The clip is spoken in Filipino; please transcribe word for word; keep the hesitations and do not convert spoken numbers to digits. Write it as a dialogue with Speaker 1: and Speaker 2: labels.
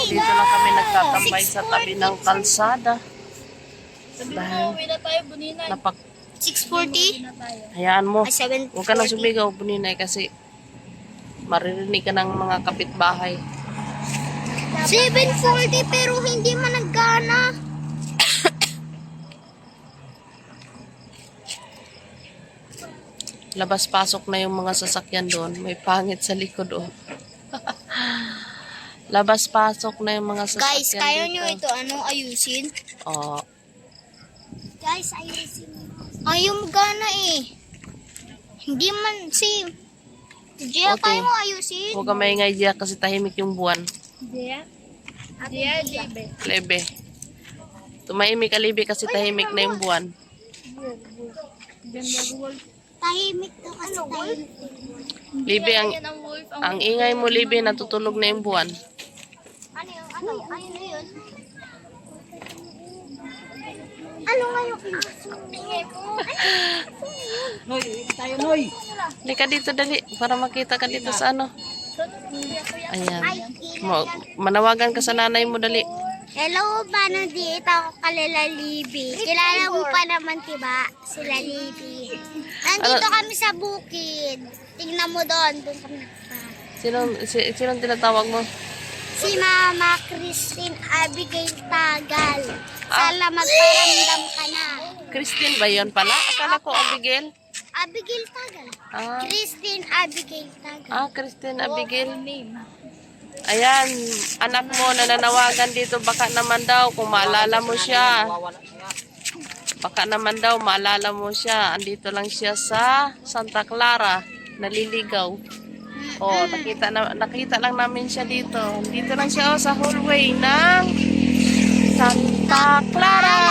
Speaker 1: dito lang kami nagtatambay sa tabi ng kalsada.
Speaker 2: Sabi mo, uwi na tayo, Buninay.
Speaker 1: Napak
Speaker 3: six forty?
Speaker 1: Hayaan mo.
Speaker 3: Ay, seven
Speaker 1: Huwag ka nang sumigaw, Buninay, kasi maririnig ka ng mga kapitbahay.
Speaker 3: seven forty pero hindi man naggana.
Speaker 1: Labas-pasok na yung mga sasakyan doon. May pangit sa likod, oh. Labas-pasok na yung mga sasakyan
Speaker 3: Guys, kaya
Speaker 1: dito.
Speaker 3: nyo ito, ano, ayusin?
Speaker 1: Oh,
Speaker 3: Guys, ayusin. Ayaw mo gana eh. Hindi man, si... Jia,
Speaker 1: Okay.
Speaker 3: kaya mo ayusin?
Speaker 1: huwag ka maingay diya kasi tahimik yung buwan.
Speaker 2: Dia? Dia, Libe.
Speaker 1: Lebe. Tumahimik ka, Libe, kasi tahimik na yung buwan.
Speaker 3: Tahimik to kasi tahimik.
Speaker 1: Libe, ang,
Speaker 2: Yan ang wolf. Ang
Speaker 1: ang ingay mo, Libe, natutulog na yung buwan.
Speaker 3: Ano yun? Ano? Ano yun? Ano nga yung ingay mo?
Speaker 4: Noy, tayo Noy.
Speaker 1: Hindi ka dito, dali, para makita ka dito sa ano. Ayan. Mo, manawagan ka sa nanay mo, dali.
Speaker 3: Hello, paano dito ako kalala Libby? Kilala mo pa naman, diba? Sila Libby. Nandito
Speaker 1: Ano?
Speaker 3: kami sa bukid. Tingnan mo doon. Doon kami nagpa.
Speaker 1: Sinong, si, sinong tinatawag mo?
Speaker 3: Si Mama Christine Abigail Tagal.
Speaker 1: Ah.
Speaker 3: Sala magparamdam ka na.
Speaker 1: Christine ba yun pala? Akala ko Abigail.
Speaker 3: Abigail Tagal.
Speaker 1: Ah,
Speaker 3: Christine Abigail Tagal.
Speaker 1: ah Christine Abigail. Ayan, anak mo nananawagan dito. Baka naman daw kung maalala mo siya. Baka naman daw maalala mo siya. Andito lang siya sa Santa Clara. Naliligaw. Oh, nakita, na, nakita lang namin siya dito. Dito lang siya oh, sa hallway ng Santa Clara.